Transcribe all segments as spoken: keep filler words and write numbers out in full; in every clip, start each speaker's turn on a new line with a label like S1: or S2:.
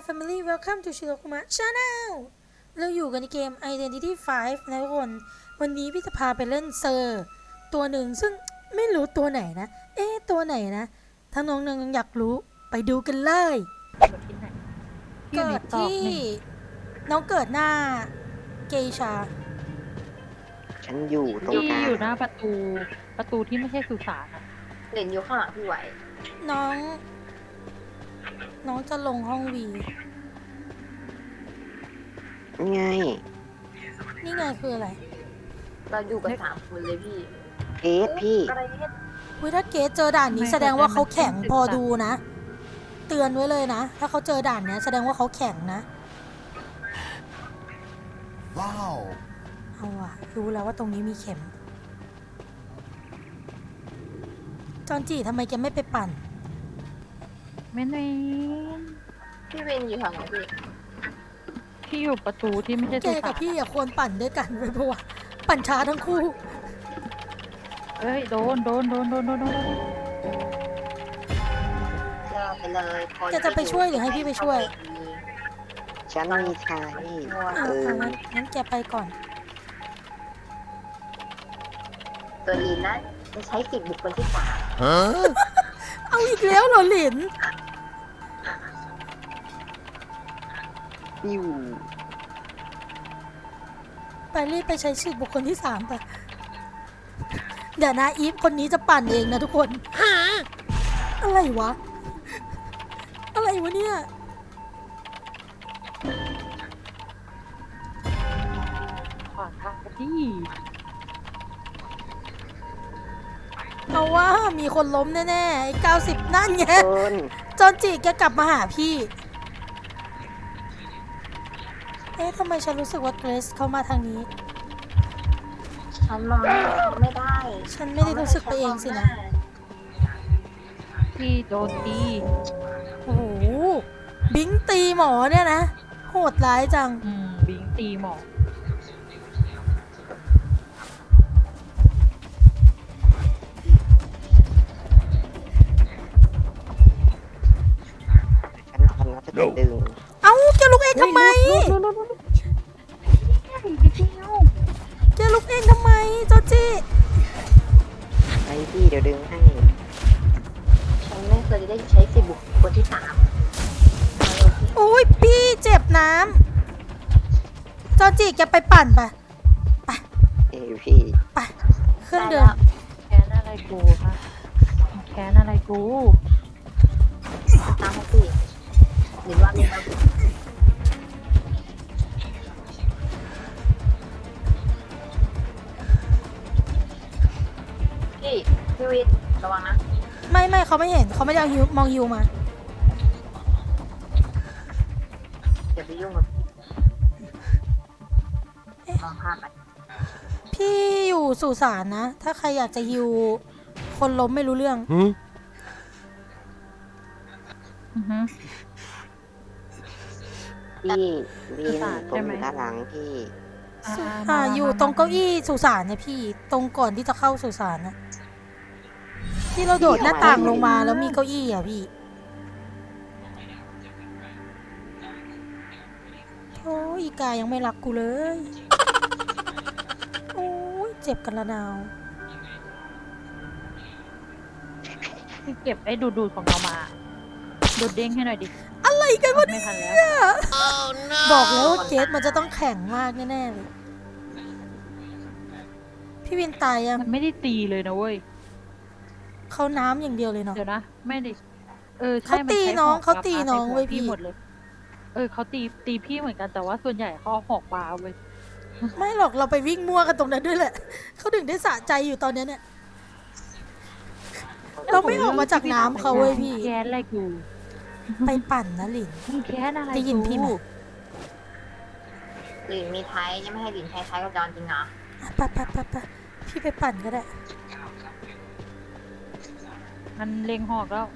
S1: Family Welcome to Shirokuma Channel เราอยู่กันในเกม Identity ไฟว์ นะทุกคน วันนี้พี่จะพาไปเล่นเซอร์ตัวหนึ่งซึ่งไม่รู้ตัวไหนนะ เอ๊ะตัวไหนนะ ถ้าน้องๆอยากรู้ไปดูกันเลย เกิดที่น้องเกิดหน้าเกชา
S2: ฉันอยู่ตรง
S3: ที่
S2: กลาง
S3: อยู่หน้าประตูประตูที่ไม่ใช่สุสานอะ
S4: เหรียญอยู่ข้างหลังพี่ไหว
S1: น้อง น้องจะลงห้องวี
S2: ไง
S1: นี่ไงคืออะไร
S4: เราอยู่กันสามคนเลยพี่
S2: เกสพี่
S4: อะไรเนี่ย
S1: เว้ยถ้าเกสเจอด่านนี้แสดงว่าเขาแข็งพอดูนะ เตือนไว้เลยนะ ถ้าเขาเจอด่านเนี้ยแสดงว่าเขาแข็งนะ
S5: ว้าว
S1: เอาอะรู้แล้วว่าตรงนี้มีเข็ม จอนจีทำไมแกไม่ไปปั่น
S3: ไม่เน
S4: พี่เวนอยู่ทางไหนพี่
S3: ที่อยู่ประตูที่ไม่ใช่
S1: แก
S3: สุสา
S1: กับ
S3: น
S1: พี่อะควรปั่นด้วยกันไว้เพราะว่าปั่นช้าทั้งคู่
S3: เอ้ยโดนโดนโดนโดนโดนโดน
S4: เลิกไปเลยคน
S1: แกจะไปช่วยหรือให้พี่ไปช่วย
S2: ฉันมีชาย
S1: เออเอางั้นงั้นแกไปก่อน
S4: ตัวลีนนะจะใช้สิทธิ์บุคคลที่สาม
S5: ฮะ
S1: เอาอีกแล้วเหรอหลิน
S2: อยู่
S1: ไปรีบไปใช้ชื่อบุคคลที่สามไป เดี๋ยวนะอีฟคนนี้จะปั่นเองนะทุกคน อะไรวะ อะไรวะเนี่ย
S3: ขวางทางที่
S1: เอาว่ามีคนล้มแน่ๆไอ้เก้าสิบนั่นไง
S2: คน
S1: จอนจีแกกลับมาหาพี่ เอ๊ะทำไมฉันรู้สึกว่าเกรซเข้ามาทางนี้
S4: ฉันมองไม่ได้
S1: ฉันไม่ได้รู้สึกไปเองสินะ
S3: ที่โดนตี
S1: โอ้โห บิงตีหมอเนี่ยนะ โหดร้ายจัง
S3: อืมบิงตีหมอก
S2: ฉันทำแล้วจะดึง
S1: เอ้าแกลุกเองทำไม
S3: ลุกลุกลุกลุกนิดเดียว
S1: แกลุกเองทำไมจอนจี
S2: ไอ้พี่เดี๋ยวดึงให้
S4: ฉันไม่เคยได้ใช้สิทธิ์บุคคลที่สามเอาเลยพี่
S1: โอ้ยพี่เจ็บน้ำจอนจีแกไปปั่นไป
S2: เอ้ยพี่
S1: ไป เครื่องเดิน
S3: แค้นอะไรกูคะแค้นอะไรกู
S4: ตามให้พี่หรือว่ามีเราพี่พี่วิทย์ระวังนะ
S1: ไม่ไม่เขาไม่เห็นเขาไม่ได้เอาฮิวมองฮิวมา
S4: อย่าไปยุ่งกับมองภาพไป
S1: พี่อยู่สุสานนะ ถ้าใครอยากจะฮิวคนล้มไม่รู้เรื่อง
S5: หืม
S3: อือฮึ
S2: พี่วีน
S3: สุสาน
S2: ผม
S3: ใช่ไหม
S2: อยู่ด้านหลังพี่
S3: อ่า
S1: อ่า
S3: มา
S1: อยู่
S3: มา
S1: ตรงเก้าอี้สุสานเนี่ยพี่ ตรงก่อนที่จะเข้าสุสานนะที่เราโดดหน้าต่างลงมาแล้วมีเก้าอี้อ่ะพี่โอ้ยอีกายังไม่รักกูเลย โอ้ยเจ็บกันละนาว
S3: ที่เก็บไอ้ดูดูดของเรามาดูดเด้งให้หน่อยดิ
S1: อะไรกันวะ
S3: ไม่
S1: เนี่ย
S3: ทันแล้ว
S1: บอกแล้วว่าเกสมันจะต้องแข็งมากแน่ๆเลย พี่วินตายยัง
S3: มันไม่ได้ตีเลยนะเว้ย
S1: เขาน้ำอย่างเดียวเลยเนาะ
S3: เดี๋ยวนะ ไม่ได้เออใช่
S1: เขาตี
S3: มัใช้
S1: น้อง
S3: หก
S1: เขาตี
S3: ปลา
S1: น้อง
S3: ใส่หั
S1: เว้ยพี่
S3: หมดเลย เออเขาตีตีพี่เหมือนกันแต่ว่าส่วนใหญ่เขาเอาหอกปลาเว้ย
S1: ไม่หรอกเราไปวิ่งมั่วกันตรงนั้นด้วยแหละ เขาถึงได้สะใจอยู่ตอนเนี้ยเนี่ย เราไม่ออกมาจากน้ำเขาเว้ยพี่
S3: แค้นอะไรกู
S1: ไปปั่นนะหลิน
S3: มึงแค้นอะไร
S1: ได้ยินพี่ไหม
S3: กู
S4: หลินมีไทยยังไม่ให้หลินใช้ไทยกับจอนจริงเหรอ
S1: ไปไปไปไปพี่ไปปั่นก็ได้
S3: มันเล็งหอกแล้ว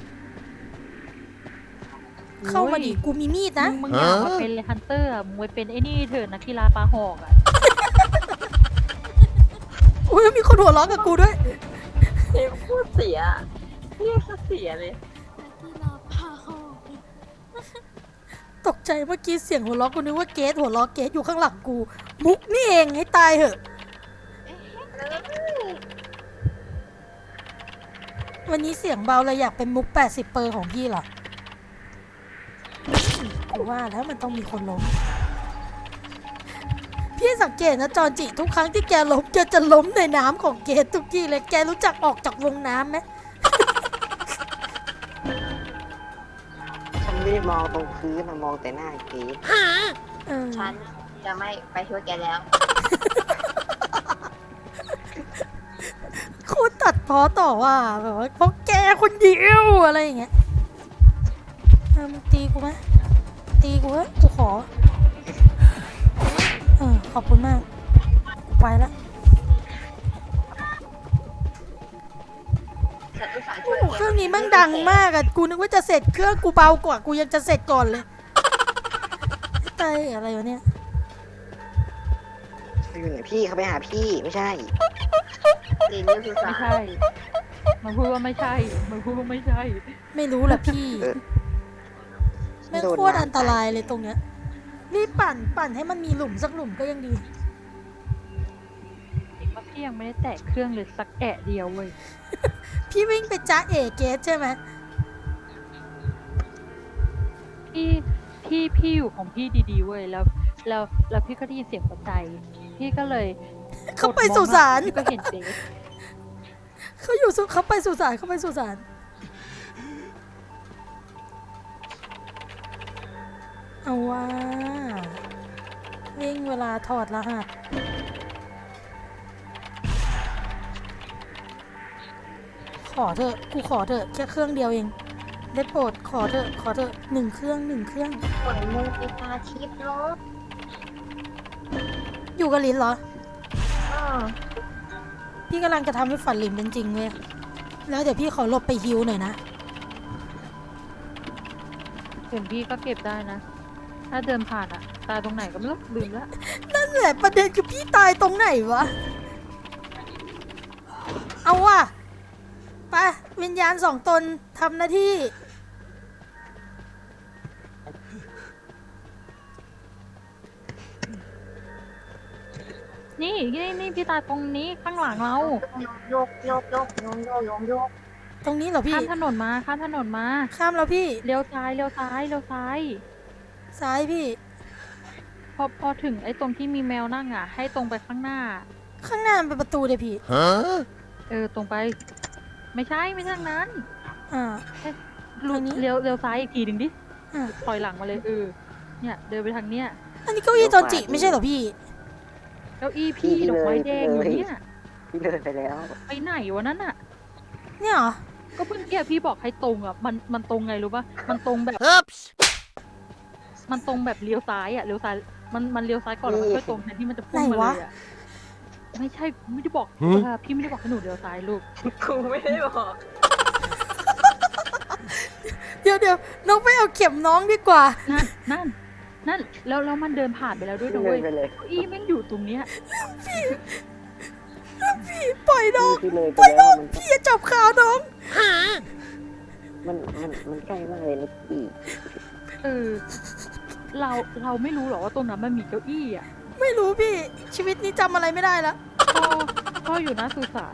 S1: เข้ามาดิกูมีมีดนะ
S3: มึงมึงอยากมาเป็นฮันเตอร์อะมึงไปเป็นไอ้นี่เถอะนักกีฬาปลาหอกอ่ะ
S1: อุ้ยมีคนหัวเราะกับกูด้วย
S4: เอ็มพูดเสียเรียกเสียเลย
S1: เตกใจเมื่อกี้เสียงหัวเราะกูนึกว่าเกสหัวเราะเกสอยู่ข้างหลังกูมุกนี่เองให้ตายเหอะ วันนี้เสียงเบาเลยอยากเป็นมุกแปดสิบเปอร์ของพี่เหรอกูว่าแล้วมันต้องมีคนล้มพี่สังเกตนะจอนจิทุกครั้งที่แกล้มแกจะล้มในน้ำของเกสทุกทีเลยแกรู้จักออกจากวงน้ำไหม
S2: ฉันไม่ได้มองตรงพื้นนะมองแต่หน้าเกด
S1: เออ
S4: ฉันจะไม่ไปช่วยแกแล้ว
S1: โคตรตัดพ้อต่อว่าแบบว่าเพราะแกคนเดียวอะไรอย่างเงี้ยเออมึงตีกูไหมตีกูเว้ยกูขอเออขอบคุณมากกูไปแล้ว
S4: ฉันอุตส่าห์ช่วย
S1: โอ้โหเครื่องนี้มันดังมากอะกูนึกว่าจะเสร็จเครื่องกูเบากว่ากูยังจะเสร็จก่อนเลยไตายอะไรวะเนี่ย
S2: เขาอยู่ไหนพี่เขาไปหาพี่ไม่ใช่
S4: ดีนี่คือสา
S3: ไม่ใช่ มันพูดว่าไม่ใช่ มันพูดว่าไม่ใช่
S1: ไม่รู้แหละพี่
S2: เออ
S1: แม่งโคตรอันตรายเลยตรงเนี้ยรีบปั่นปั่นให้มันมีหลุมสักหลุมก็ยังดี
S3: อีกว่าพี่ยังไม่ได้แตะเครื่องเลยสักแอะเดียวเว้ย
S1: พี่วิ่งไปจ้าเอเกสใช่ไหม
S3: พี่พี่พี่อยู่ของพี่ดีๆเว้ยแล้วแล้วแล้วพี่ก็ได้ยินเสียงหัวใจ พี่ก็เลย
S1: เขาไปสุสาน
S3: พี่ก็เห็นเจ๊
S1: เขาอยู่สุเขาไปสุสานเขาไปสุสานเอาว่าวิ่งเวลาถอดรหัสขอเถอะกูขอเถอะแค่เครื่องเดียวเองได้โปรดขอเถอะขอเถอะหนึ่งเครื่องหนึ่งเครื่อง
S4: ผลมูปิตาทิพย์เนาะ
S1: อยู่กับลินเหรอ
S4: อ่า
S1: พี่กำลังจะทำให้ฝันลินเป็นจริงเว้ยแล้วเดี๋ยวพี่ขอหลบไปฮิวหน่อยนะ
S3: เห็นพี่ก็เก็บได้นะ ถ้าเดินผ่านอะตายตรงไหนก็ไม่รู้ลืมแล้ว
S1: นั่นแหละประเด็นคือพี่ตายตรงไหนวะ เอาว่ะไปวิญญาณสองตนทำหน้าที่
S3: นี่นี่นี่พี่ตายตรงนี้ข้างหลังเรา
S4: โยกโยกโยกโยกโยกโยกโยก
S1: ตรงนี้เหรอพี่
S3: ข้ามถนนมาข้ามถนนมา
S1: ข้ามแล้วพี่
S3: เลี้ยวซ้ายเลี้ยวซ้ายเลี้ยวซ้าย
S1: ซ้ายพี่
S3: พอพอถึงไอ้ตรงที่มีแมวนั่งอ่ะ ให้ตรงไปข้างหน้า
S1: ข้างหน้ามันเป็นประตูเลยพี่
S3: เออตรงไป ไม่ใช่ไม่ใช่ทางนั้น
S1: อ่า
S3: ลู
S1: ทางนี้
S3: เลี้ยวเลี้ยวซ้ายอีกทีหนึ่งดิ
S1: อ่า
S3: ถอยหลังมาเลยเออเนี่ยเดินไปทางเนี้ย
S1: อันนี้เก้าอี้จอนจิไม่ใช่เหรอพี่
S3: เก้าอี้พี่ดอกไม้แดงอยู่เนี่ย
S2: พี่เดินไปแล้ว
S3: ไปไหนวะนั่นอ่ะ
S1: เนี่ยเหรอ
S3: ก็เพิ่งแกพี่บอกให้ตรงอ่ะมันมันตรงไงรู้ปะมันตรงแบบมันตรงแบบเลี้ยวซ้ายอ่ะเลี้ยวซ้ายมันมันเลี้ยวซ้ายก่อนแล้วมันค่อยตรงแทนที่มันจะพุ่งมาเลยอ่ะไม่ใช่ไม่ได้บอกว่าพี่ไม่ได้บอกให้หนูเลี้ยวซ้ายลูก
S4: กูไม่ได้บอก
S1: เดี๋ยวเดี๋ยวน้องไปเอาเข็มน้องดีกว่า
S3: นั่นนั่นนั่นแล้วแล้วมันเดินผ่านไปแล้วด้วย
S2: พี่
S3: นะ
S2: เล
S3: เว้
S2: ย
S3: ย
S2: ไปเลย
S3: เก้าอี้แม่งอยู่ตรงเนี้ย
S1: พี่ปล่อยน้อง
S2: พี่เลยไป
S1: ปล่อยน้
S2: แล้
S1: อ
S2: ว
S1: ง
S2: มัน
S1: พี่อย่าจับขาน้อง
S2: มันมันมันใกล้มากเลยนะพี่
S3: เออเราเราไม่รู้หรอกว่าตรงนั้นมันมีเก้าอี้อ่ะ
S1: ไม่รู้พี่ ชีวิตนี้จำอะไรไม่ได้แล้ว
S3: พ่อพ่ออยู่หน้าสุสาน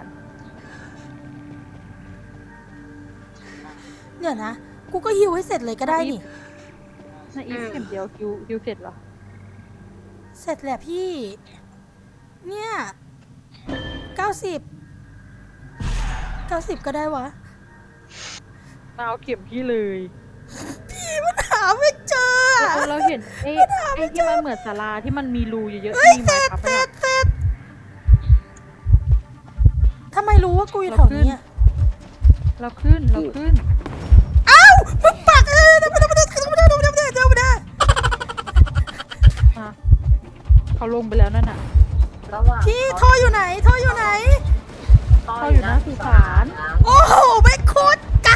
S1: เดี๋ยวนะ กูก็ฮิวให้เสร็จเลยก็ได้นี่
S3: ในอีฟเข็มเดียวคิวคิวเสร็จเหรอ
S1: เสร็จแหละพี่ เนี่ยเก้าสิบเก้าสิบก็ได้วะ
S3: มาเอาเข็มพี่เลย
S1: พี่มันหาไม่เจออะ
S3: เราเราเห็นเอ้ไอ้ที่มันเหมือนศาลาที่มันมีรูเยอะๆ
S1: เฮ้ย
S3: มี
S1: เส
S3: ไม้
S1: ร็จ
S3: พับ
S1: เสร็
S3: อะ
S1: จเสร็จทำไมรู้ว่ากูอยู่แถวนี้อะ
S3: เราขึ้นเราขึ้น
S1: อ้าวมึงปักเออเดี๋ยวมาเดี๋ยวมาเดี๋ยวมาเดี๋ยวมาเดี๋ยวมาเดี๋ยวมาเดี๋ยว
S3: อ่ะเขาลงไปแล้วนั่นน่ะ
S4: ระหว่าง
S1: พี่ท่ออยู่ไหนท่ออยู่ไหน
S3: เขาอยู่หน้าสุสาน
S1: โอ้โหไม่โคตรไก่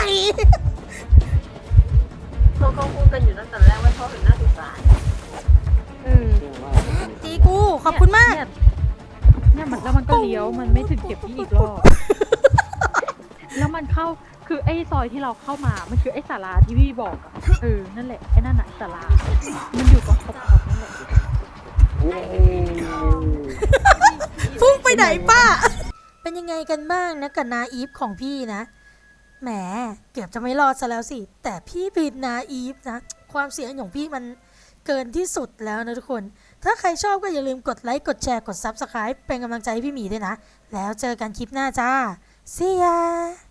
S4: เขาเขาพูดกันอยู่ตั้งแต่แรกว่าเขาถึงหน้าสุสาน
S3: เออ
S2: จริงว่า
S1: ตีกูขอบคุณมาก
S3: เนี่ยเนี่ยมันแล้วมันก็เลี้ยวมันไม่ถึงเก็บที่อีกรอบ แล้วมันเข้าคือไอ้ซอยที่เราเข้ามา มันคือไอ้ศาลาที่พี่บอกอะเออ นั่นแหละ ไอ้นั่นน่ะศาลา มันอยู่ตรงขอบๆนั่นแหละ
S2: เย้
S1: พุ่งไปไหนป้า เป็นยังไงกันบ้างนะกับนาอีฟของพี่นะ แหม เกือบจะไม่รอดซะแล้วสิ แต่พี่ผิดนาอีฟนะ ความเสียงของพี่มันเกินที่สุดแล้วนะทุกคน ถ้าใครชอบก็อย่าลืมกดไลค์ กดแชร์ กด ซับสไครบ์ เป็นกำลังใจให้พี่หมีด้วยนะ แล้วเจอกันคลิปหน้าจ้า See ya